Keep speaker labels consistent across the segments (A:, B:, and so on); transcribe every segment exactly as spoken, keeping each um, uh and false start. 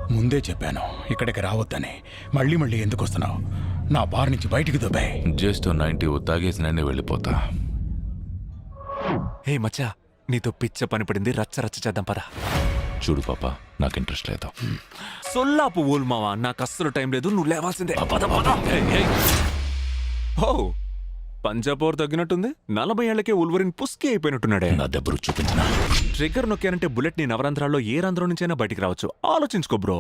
A: ముందే చెప్పాను ఇక్కడికి రావద్దని. మళ్ళీ మళ్ళీ ఎందుకు వస్తున్నావు? నా బార్ నుంచి బయటికి దుబాయ్.
B: జస్ట్ నైన్టీ తాగేసి నేనే వెళ్ళిపోతా.
C: హే మచ్చా, నీతో పిచ్చ పని పడింది, రచ్చ రచ్చ చేద్దాం పదా.
B: చూడు పాప, నాకు ఇంట్రెస్ట్ లేదు.
C: సొల్లాపు ఊల్ మావా, నాకు అస్సలు టైం లేదు, నువ్వు లేవాల్సిందే. పద, పద. ఏయ్, ఏయ్. ఓ పంజాబోర్ తగ్గినట్టుంది. నలభై ఏళ్లకే ఉల్వరిన్ పుస్కి అయిపోయినట్టున్నాడే.
B: నా దెబ్బరు చూపించిన
C: ట్రిగ్గర్ నొక్కానంటే బుల్లెట్ నీ నవరంధ్రాల్లో ఏ రంధ్రం నుంచైనా బయటికి రావచ్చు. ఆలోచించుకో బ్రో.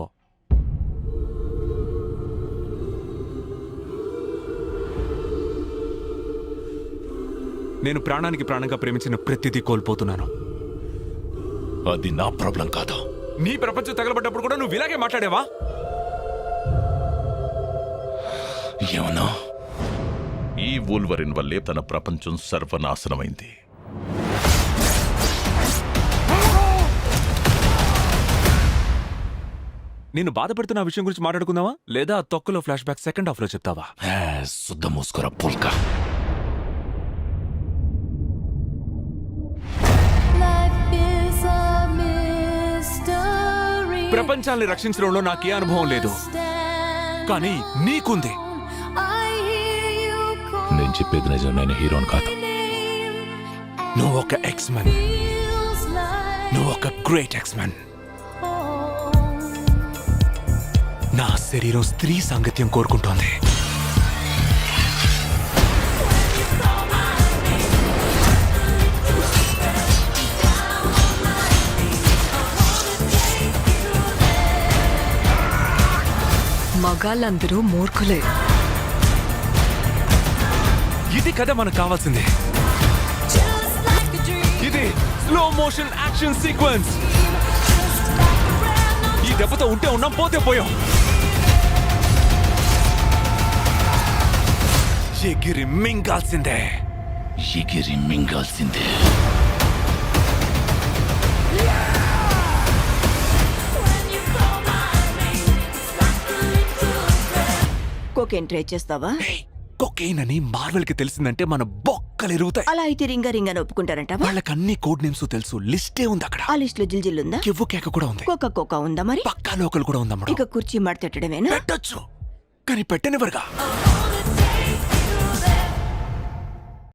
C: నేను ప్రాణానికి ప్రాణంగా ప్రేమించిన ప్రతిదీ కోల్పోతున్నాను.
B: అది నా ప్రాబ్లం కాదు.
C: నీ ప్రపంచం తగలబడ్డప్పుడు కూడా నువ్వు ఇలాగే మాట్లాడేవా?
B: ఏమన్నా?
D: ఈ వూల్వరిన్ వల్లే తన ప్రపంచం సర్వనాశనమైంది.
C: నేను బాధపడుతున్న విషయం గురించి మాట్లాడుకుందావా, లేదా తొక్కలో ఫ్లాష్ బ్యాక్ సెకండ్ హాఫ్ లో చెప్తావా?
B: శుద్ధ మూసుకురా పుల్కా.
C: ప్రపంచాన్ని రక్షించడంలో నాకే అనుభవం లేదు, కానీ నీకుంది.
B: నేను చెప్పేది నిజం, నేను హీరోని కాదు.
C: నువ్వు ఒక ఎక్స్మెన్, నువ్వు ఒక గ్రేట్ ఎక్స్మెన్. నా శరీరం స్త్రీ సాంగత్యం కోరుకుంటోంది.
E: మగాళ్ళందరూ మూర్ఖులే.
C: ఇది కదా మనకు కావాల్సింది. ఇది స్లో మోషన్ యాక్షన్ సీక్వెన్స్. ఈ దెబ్బతో ఉంటే ఉన్నాం, పోతే పోయాం. ఎగిరి మింగాల్సిందే.
B: ఎగిరి మింగాల్సిందే.
F: కోకేన్ ట్రై చేస్తావా?
C: కొకైన్ అని మార్వెల్ కి తెలిసిందంటే మన బొక్కలు ఎరుగుతాయి.
F: అలా అయితే రింగ రింగ్ అని ఒప్పుకుంటారంటావా?
C: వాళ్ళకి అన్ని కోడ్ నేమ్స్ తెలుసు, లిస్టే ఉంది అక్కడ.
F: ఆ లిస్ట్ లో జిల్జిల్ ఉందా?
C: కివ్వు కేక కూడా ఉంది.
F: కోకా కోకా ఉందా? మరి
C: పక్కా లోకల్ కూడా ఉందమ్మా.
F: ఇక కుర్చీ మడతెట్టడమేనా?
C: పెట్టొచ్చు, కానీ పెట్టనివ్వరుగా.